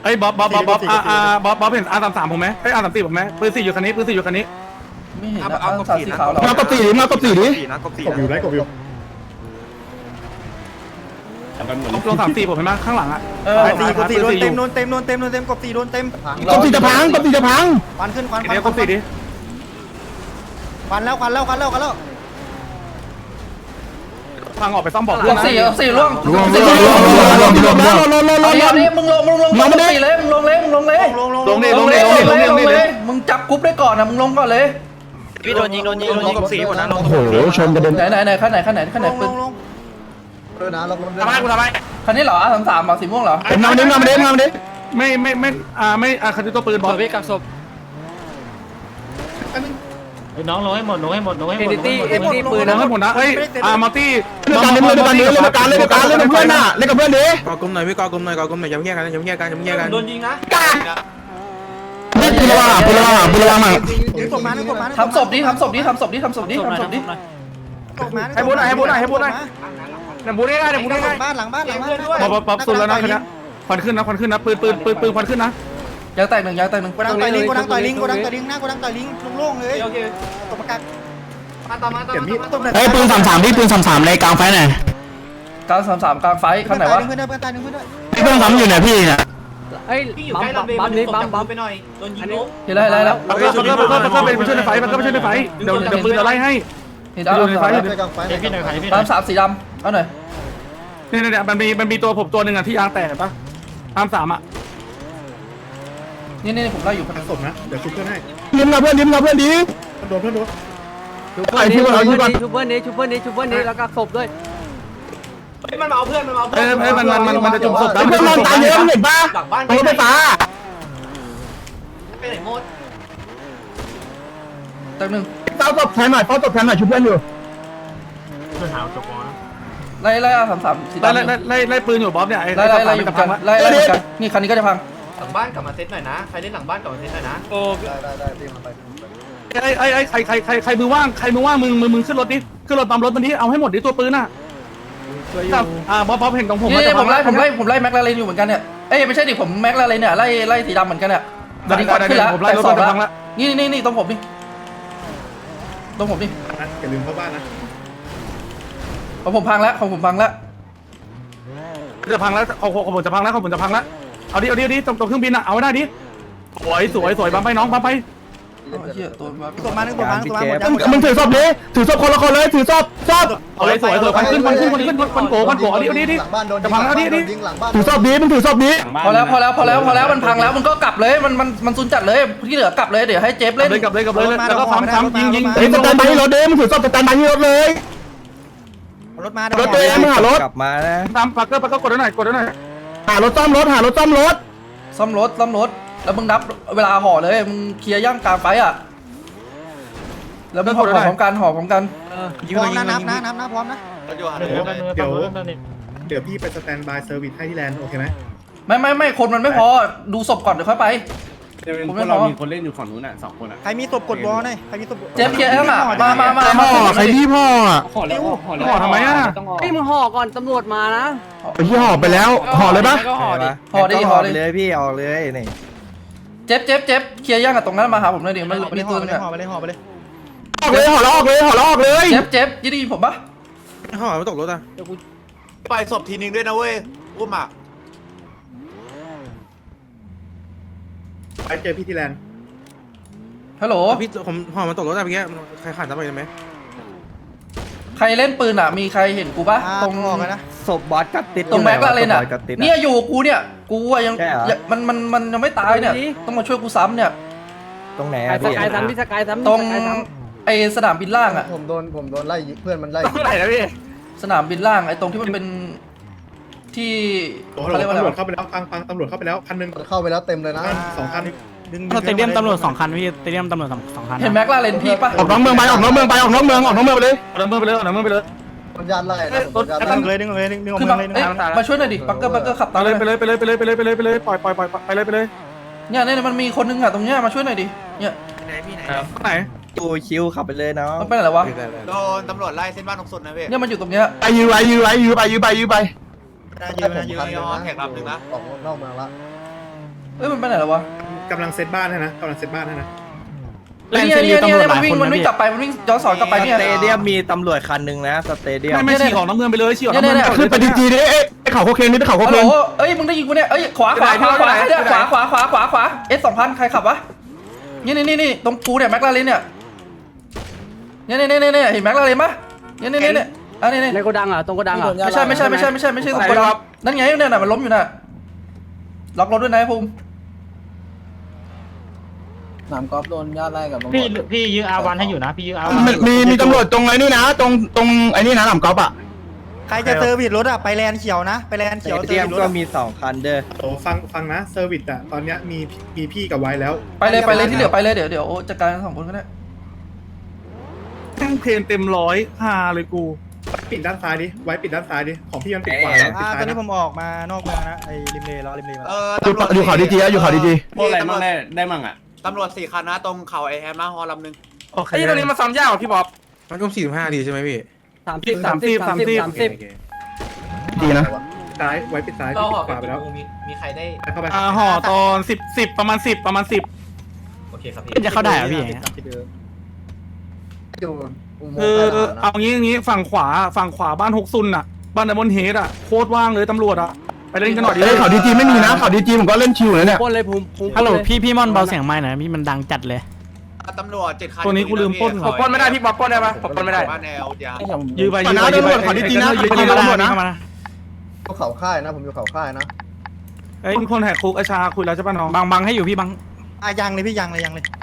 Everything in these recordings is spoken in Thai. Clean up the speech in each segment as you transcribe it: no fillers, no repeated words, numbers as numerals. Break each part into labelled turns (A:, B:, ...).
A: เอ้ยบ๊อบบ๊อบเห็นR33ผมไหมเอ้ยR34ผมไหมปืน4อยู่คันนี้
B: ไม่เห็นนะเอาสามสีขาวเหรอ
C: มากบตีดิกบอยู่ไรกบอยู่
A: ลง34ผมเห็นไหมข้างหลังอ่ะ
D: กบตีโดนเต็มกบตีโดนเต็มกบตีจะพัง ควันขึ้นควัน
A: เดี๋ยวกบ4ดิ
D: ควันแล้ว
A: พังออกไปซ่อมบอก
B: ลงสี่ล่วง
C: รวม
B: เอาดิมึงลงสี่เลยมึงลงเลย
A: ลงดิ
B: มึงจับกรุ๊ปได้ก่อนนะมึงลงก่อนเลย
E: พี่โดนยิงกบสีหมดนะ
C: โอ้โหชนกระเด็น
B: ไหนขั้นไหนปืน
A: ทำไมกูทำไม
B: คันนี้เหรอR33เหรอสีม่วงเหรอ
C: มาดิ
A: ไม่คันที่ตัวปืนบอล
E: พี่กักศพน้องลงให้หมดเอเดตี้ปืน
A: น้องให้หมดนะเอ้ยมัลตี้
C: เล่นกันเล่นกับเพื่อนน่ะเล่นกับเพื่อนดิ
F: ก่อกลมหน่อยพี่ก่อกลมหน่อยอย่าแยกกัน
E: โดนยิงนะ
C: นี่ปืนระวังมา
B: ทำศพดิให้บุญหน่อย
D: บ้านหลังบ้าน
A: บ๊อบสุดแล้วนะคันนี้ควันขึ้นนะปืนควันขึ้นนะ
B: ยางแตกหนึ่ง
D: โกดังต่อยลิงหน้าโกดังต่อยลิงโล่งเลยตบประกาศ
C: เฮ้ยปืน33ที่ปืน33ในกลางไฟหน่อย
B: กลาง33กลางไฟข้างไหนวะ
D: เพื่อนตายหนึ่งเพื่อนด้วย
C: ปืน3อยู่เนี่ยพี่เนี่ย
E: เฮ้ยบัมไปหน่อยโดนยิงล้ม
B: เห็นแล้ว
A: มันก็เป็นช่วยในไฟเดี๋ยวปืนจะไล่ให้
B: เห็นแล้ว33สีดำเอาหน่อย
A: เนี่ยมันมีตัวผมตัวหนึ่งอ่ะที่ยางแตกปะ33อ่ะ
B: นี่ผมไล่อยู่พัน
C: ศพนะเดี๋ยวชุบเพื่อนให้ยิ้มกับเพื่อนดิโดน
E: ชุบเพื่อนนี้แล้วก็ศพด้วยมันมาเอาเพื่อน
A: มันจะจุ่มศพ
C: เพื่อนนอนตายเยอะเห็นปะ
E: หลังบ้าน
C: รถไฟฟ้า
E: ไปไหนหมด
B: แตกหนึ่ง
C: เฝ้าศพแทนหน่อยชุบเพื่อนอยู่
B: ไล่33สีดำ
A: ไล่ปืนอยู่บ๊อบเนี่ยไอ้
B: ไล่อยู่กันไล่กันนี่คันนี้ก็จะพัง
E: หลังบ้านกลับมาเซตหน่อยนะใครเล่นหลังบ้านกลับมาเซตหน่อยนะโอ้
A: ใครมือว่างมึงขึ้นรถดิขึ้นรถตามรถมันดิเอาให้หมดดิตัวปืนอ่ะบ๊อบเห็นตรงผม
B: นี่ผมไล่แม็กลาเรนอยู่เหมือนกันเนี่ยเอ้ยไม่ใช่ดิผมแม็กลาเรนเนี่ยไล่สีดำเหมือนกันเนี่ยตอนนี้ขึ้นแล้วแต่สองแล้วนี่ตรงผมนี่
C: อย่าลืมเข้าบ้านนะ
B: ของผมพังแล้ว
A: จะพังแล้วของผมจะพังแล้วเอาดิตรงเครื่องบินอ่ะเอาได้ดิสวยบัมไปน้องบัมไป
D: ตบมาหนึ่ง
C: มึงถือศพดิถือศพคนละคนเลยถือศพ
A: เอาเลยสวยควันขึ้นควันโกเอาดิจะพังแล้วดิ
C: ถือศพดิมึงถือศพดิ
B: พอแล้วมันพังแล้วมันก็กลับเลยมันซุนจัดเลยที่เหลือกลับเลยเดี๋ยวให้เจฟเล่น
A: กลับเลยแล้วก็ซ้ำยิง
C: ไอ้สแตนบายที่รถดิมึงถือศพสแตนบายที่รถเลย
D: รถมาร
C: ถตัวเองมึงหารถ
F: กลับมานะ
A: ตามปักเกอร์กดหน่อย
C: หารถซ่อมรถ
B: ซ่อมรถแล้วมึงนับเวลาห่อเลยมึงเคลียร์ย่างกลางไฟอ่ะแล้วมึงห่อพร้อมกัน
D: พร้อมนะนับพร้อมนะ
C: เดี๋ยวพี่ไปสแตนบายเซอร์วิสให้ที่แลนด์โอเคไหม
B: ไม่คนมันไม่พอดูศพก่อนเดี๋ยวค่อยไปผมไม่พอ
A: มีคนเล่นอยู่ฝั่งนู้นน่ะ2คนอ่ะ
D: ใครมีศพกดวอลหน่อยใครมีศพ
B: เจฟเคลียร์ให้มา
C: พ่อใครที่พ่ออ่ะ
A: ห่อทำไมอ่ะ
E: ไอ้มึงห่อก่อนตำรวจมานะ
C: ไปที่ห่อไปแล้วห่อเลยปะ
B: ห่อเลย
F: พี่ออกเลยนี่
B: เจฟเคลียร์ย่างกับตรงนั้นมาหาผมเลยดิมันไม่ได้ตัวนึงอ่ะ
D: ห่อไปเลย
C: ออกเลยห่อแล้วออกเลย
B: เจฟยี่ได้ยินผมปะ
F: ห่อไม่ตกรถอ่ะ
E: ไปศพทีนึงด้วยนะเว้ยอุ้มอ่ะ
C: ไปเจอพี่ที่แลนด์
B: ฮัลโหล
F: พี่ผมห่อมันตกรถอ่ะเมื่อกี้ใครขาดจะไปไหม
B: ใครเล่นปืนอ่ะมีใครเห็นกูปะตรง
D: ออกนะ
F: ศพบอสกัดติด
B: ตรงแม็กลาเรนอ่ะเนี่ยอยู่กูเนี่ยกูยังมันยังไม่ตายเนี่ยต้องมาช่วยกูซ้ำเนี่ย
F: ตรงไหน
E: สกายซ้ำพี่สกายซ้ำ
B: ตรงไอสนามบินล่างอ่ะ
G: ผมโดนไล่เพื่อนมันไล่
A: เท่าไหร่นะพี่
B: สนามบินล่างไอตรงที่มันเป็นที่เขาเรียกว่าอะไร
C: ตำรวจเข้าไปแล้วฟังตำรวจเข้าไปแล้วคันนึง
G: เข้าไปแล้วเต็มเลยนะ
C: 2 คัน
A: สเตเดียมตำรวจ2 คันพี่สเตเดียมตำรวจ2 คัน
B: เห็นแม็กลาเรนพี่ปะ
C: ออกนอกเมืองไปออกนอกเมืองไปเลย
A: เอาเมืองไปเลย
G: มันยานไล่นะ
D: ดึงเลย
B: คือแบบมาช่วยหน่อยดิปักเกอร์ขับตาม
A: ไปเลยปล่อยไปเลย
B: เนี่ยมันมีคนนึงอ่ะตรงเนี้ยมาช่วยหน่อยดิเนี่ย
A: ไหน
F: ตูชิวขับไปเลยเนาะ
B: มันเป็นอะไรวะ
E: โดนตำรวจไล่เส้นบ้านนกสนนะเว้ย
B: เนี่ยมันอยู่ตรงเนี้ย
C: ไปยื้อไป
E: ยืนแท็กรับหนึ่งนะ
G: ออกนอกเมืองละ
B: อ้ยมันไปไหนแล้ววะ
C: กำลังเซตบ้านให้นะกำลังเซตบ้านให้นะ
B: เนี่ยมันวิ่งกลับไปมันวิ่งย้อนสอนกลับไปเนี่ย
F: สเตเดียมมีตำรวจคันหนึ่งนะสเตเดียม
A: ไม่ฉีกของน้ำเงินไปเลยฉีกของน้ำเงิน
B: เนี่ย
A: ขึ้นไปดีจีดิไอ้เขาโคเคนนี่ไอ้เขาโค
B: ฮัล
A: เคน
B: โหลเอ้ยมึงได้ยินกูเนี่ยเอ้ยขวาS2000ใครขับวะนี่ตรงกูเนี่ยแม็กลาเรนเนี่ยเนี่ยเห็นแม็กลาเรนปะเนี่ยอันนี้
E: ในโกดังอ่ะตรงโกดังอ่ะ
B: ไม่ใช่ตรงกูดังนั่นไงเนี่ยมันล้มอยู่น่ะล็อกรถด้วยนะภูมิ
G: หนามกอล์ฟโดนญาติไล่กับตำรวจ
H: พี่ยื้ออาวันให้อยู่นะพี่ยื้ออาวัน
A: มีตำรวจตรงไอ้นี่นะตรงไอ้นี่นะหนำกอล์ฟอ่ะ
D: ใครจะเซอร์วิสรถอ่ะไปแลนเขียวนะไปแลน
F: ส
D: เขียว
F: เตเดียมก็มี2คันเด้อ
C: โอ้ฟังนะเซอร์วิสอะตอนเนี้ยมีพี่กับไว้แล้ว
B: ไปเลยที่เหลือไปเลยเดี๋ยวจัดการ2คนก็ได้
A: แม่งเพนเต็มร้อยฮาเลยกู
C: ปิดด้านซ้ายดิไว้ปิดด้านซ้ายดิของพี่มันปิดขวาแล้วปิดซ้า
D: ตอย นนี้
C: นะ
D: ผมออกมานอกเมืองนะไอ้ริมเลล้อริมเลมา
A: อยู่เขาดีจีอยู่เขาดีจี
H: พวกอะไรมั่งได้มั่งอ่ะ
I: ตำรวจ4 คันนะตรงเขาไอแฮมนะฮอลำนึง
A: โอเค
F: ไอ้ตรงนี้มาซ้ำยากพี่บ๊อบมันก็45ดีใช่ไหมพี่
E: 30
A: ดีนะ
C: ซ้ายไว้ปิดซ้ายพี่ปิดขวาไปแล้ว
I: มีใครได้
C: เข้าไป
A: ห่อตอน10ประมาณ10
I: โอเคครับพี่
A: จะเข้าได้เหรอพี่
G: อยู่อุโมง
A: คือ
G: ค์ใต้ทหารนะ
A: เอางี้ฝั่งขวาบ้าน6ซุนอ่ะบ้านไดมอนเฮดอ่ะโคตรว่างเลยตำรวจอ่ะไปเล่นกันหน่อยดิเขาดีจีไม่มีนะเขาดีจีผมก็เล่นชิวเลยเนี่ย
E: พ่นเลยภูมิ
H: ฮัลโหลพี่ม่อนเบาเสียงไม้หน่อยพี่มันดังจัดเลย
I: ตำรวจ7 คัน
A: ตัวนี้กูลืมปล้น
F: ผมปล้นไม่ได้พี่บ๊อบปล้นได้ปะผมปล้นไม่ได้
I: บ้านแนวเดียว
A: ยื้อไปยื้อไปตำรวจเขาดีจีนะยื้อไปตำรวจนะ
G: อยู่เขาค่ายนะผมอยู่เขาค่ายนะ
A: เอ้ยคนแหกคุกอาชาคุยแล้วใช่ป่ะน้อง
H: บังให้อยู่พี่บัง
D: ยังเลยพี่ยังเลย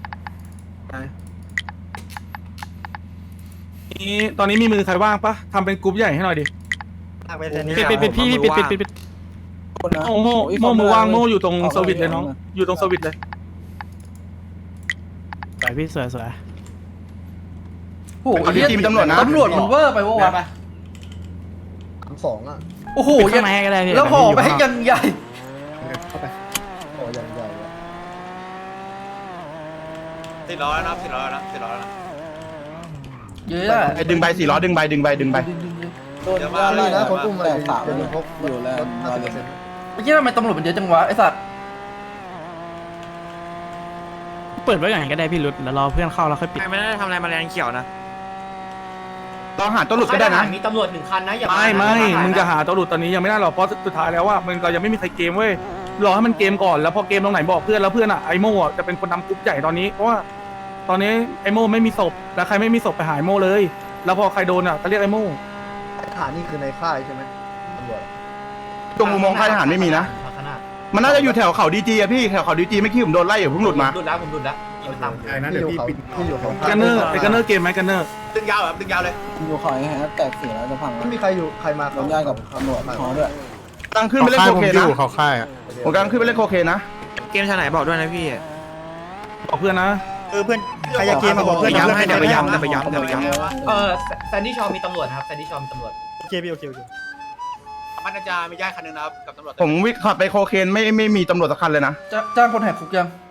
A: นี่ตอนนี้มีมือใครว่างปะทำเป็นกรุ๊ปใหญ่ให้หน่อยดิ
D: ไปแลนนี้
H: ปิดพี่ปิด
A: โม่มือว่างโม่อยู่ตรงสวิตเลยน้องอยู่ตรงสวิตเลย
H: สวยพี่สวย
B: โอ้โหตำรวจมันเวอร์ไปวะ
G: 2อ่ะ
B: โอ้โห
H: ข้างในก็ได้พี่
B: แล้วห่อไปให้ยังใหญ่
C: เข้าไป
G: โอ้ยังใหญ่อะ
I: 400แล้วนะ400แล้วนะ400แล้วนะ
B: เยอะ
A: ดึงใบ4ล้อดึงใบ
I: เดี๋ยวมา
G: นี่นะคนอุ้มอะไรจะมีพกอยู่แล้ว50%
B: เมื่อกี้ทำไมตำรวจมันเยอะจังวะไอ้สัตว์
H: เปิดไว้ก่อนก็ได้พี่รุดแล้วรอเพื่อนเข้าแล้วค่อยปิด
F: ไม่ได้ทำอะไรมาแรงเขียวนะ
A: ลองหาตัวหลุดก็ได้นะ
I: มีตำรวจ1 คันนะอย่า
A: ไม่มึงจะหาตัวหลุดตอนนี้ยังไม่ได้หรอกเพราะสุดท้ายแล้วว่ามันเรายังไม่มีใครเกมเว้ยรอให้มันเกมก่อนแล้วพอเกมตรงไหนบอกเพื่อนแล้วเพื่อนอ่ะไอโม่จะเป็นคนนำกรุ๊ปใหญ่ตอนนี้เพราะว่าตอนนี้ไอโม่ไม่มีศพแล้วใครไม่มีศพไปหาไอโม่เลย แล้วพอใครโดนอ่ะก็เรียกไอโม่
G: ทหารนี่คือในค่ายใช่ไหมตำรวจ
A: ตรงอุโมงค์ค่ายทหารไม่มีนะมันน่าจะอยู่แถวเขาดีจีอะพี่แถวเขาดีจีไม่คิดผมโดนไล่อยู่เพิ่งหลุดมา
I: ผมดุดแล้วยิงตาม
C: ใช่นะเดี๋ยวพี่ปิด
G: ที่อยู่เขาค่าย
A: กันเนอร์ไอกันเนอร์เกมไหมกันเนอร์
I: ดึงยาวแบบดึงยาวเลย
G: อยู่เขาไอ้ฮะแตกเสียแล้วจะพังไม่มีใครอยู่ใครมาเขาญาติกับตำรวจขอด้วย
A: ตั้งขึ้นไปเล่นโคเคนนะ
F: เขาค่ายอ่ะ
A: ผมกำลังขึ้นไปเล่นโคเคนนะ
F: เกมชาไหนบอกด้วยนะพี่
A: บอกเพื่อนนะ
D: เพื่อนใครจะเกมมาบอกเพื่อน
F: เดี๋ยวไปย้ำ
I: แซนดี้ชอมีตำรวจครับแซนดี้ชอมีตำรวจ
D: โอเคพี่โอเค
I: มันจะมีญาติคันนึงนะครับกับตำรวจ
A: ผมวิ่งขับไปโคเคนไม่มีตำรวจสักคันเลยนะ
B: จ้างคนแหกคุกยัง